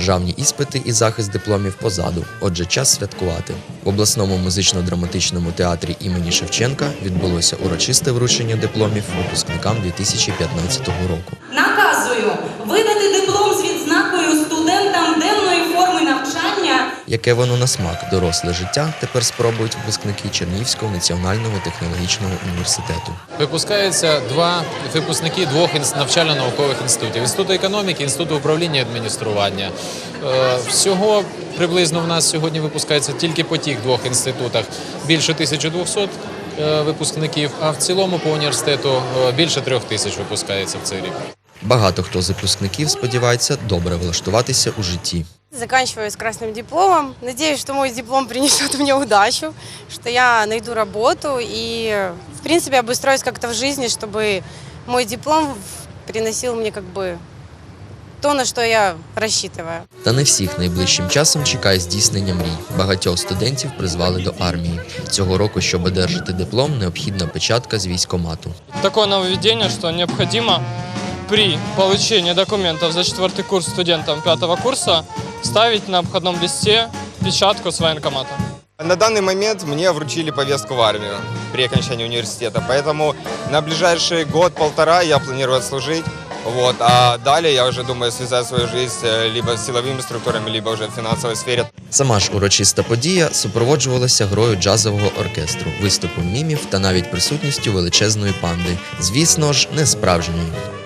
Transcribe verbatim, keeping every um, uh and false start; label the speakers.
Speaker 1: Державні іспити і захист дипломів позаду, отже час святкувати. В обласному музично-драматичному театрі імені Шевченка відбулося урочисте вручення дипломів випускникам дві тисячі п'ятнадцятого року.
Speaker 2: Наказую видати диплом з відзнакою студентам денної форми навчання.
Speaker 1: Яке воно на смак доросле життя тепер спробують випускники Чернігівського національного технологічного університету.
Speaker 3: Випускаються два випускники двох навчально-наукових інститутів – Інституту економіки, Інституту управління і адміністрування. Всього приблизно в нас сьогодні випускається тільки по тих двох інститутах більше тисячі двохсот випускників, а в цілому по університету більше трьох тисяч випускається в цей рік.
Speaker 1: Багато хто з випускників сподівається добре влаштуватися у житті.
Speaker 4: Заканчиваю с красным дипломом. Надеюсь, что мой диплом принесет мне удачу, что я найду работу и, в принципе, обустроюсь как-то в жизни, чтобы мой диплом приносил мне как бы то, на що я розраховую.
Speaker 1: Та не всіх найближчим часом чекає здійснення мрій. Багатьох студентів призвали до армії. Цього року, щоб одержати диплом, необхідна печатка з військкомату.
Speaker 5: Таке нововведення, що необхідно при получении документов за четвертый курс студентам пятого курса ставить на обходном листе печатку с военкомата.
Speaker 6: На данный момент мне вручили повестку в армию при окончании университета, поэтому на ближайший год-полтора я планирую отслужить. Вот, а далее я уже думаю связать свою жизнь либо с силовыми структурами, либо уже в финансовой сфере.
Speaker 1: Сама ж урочиста подія супроводжувалася грою джазового оркестру, виступом мімів та навіть присутністю величезної панди. Звісно ж, не справжньої.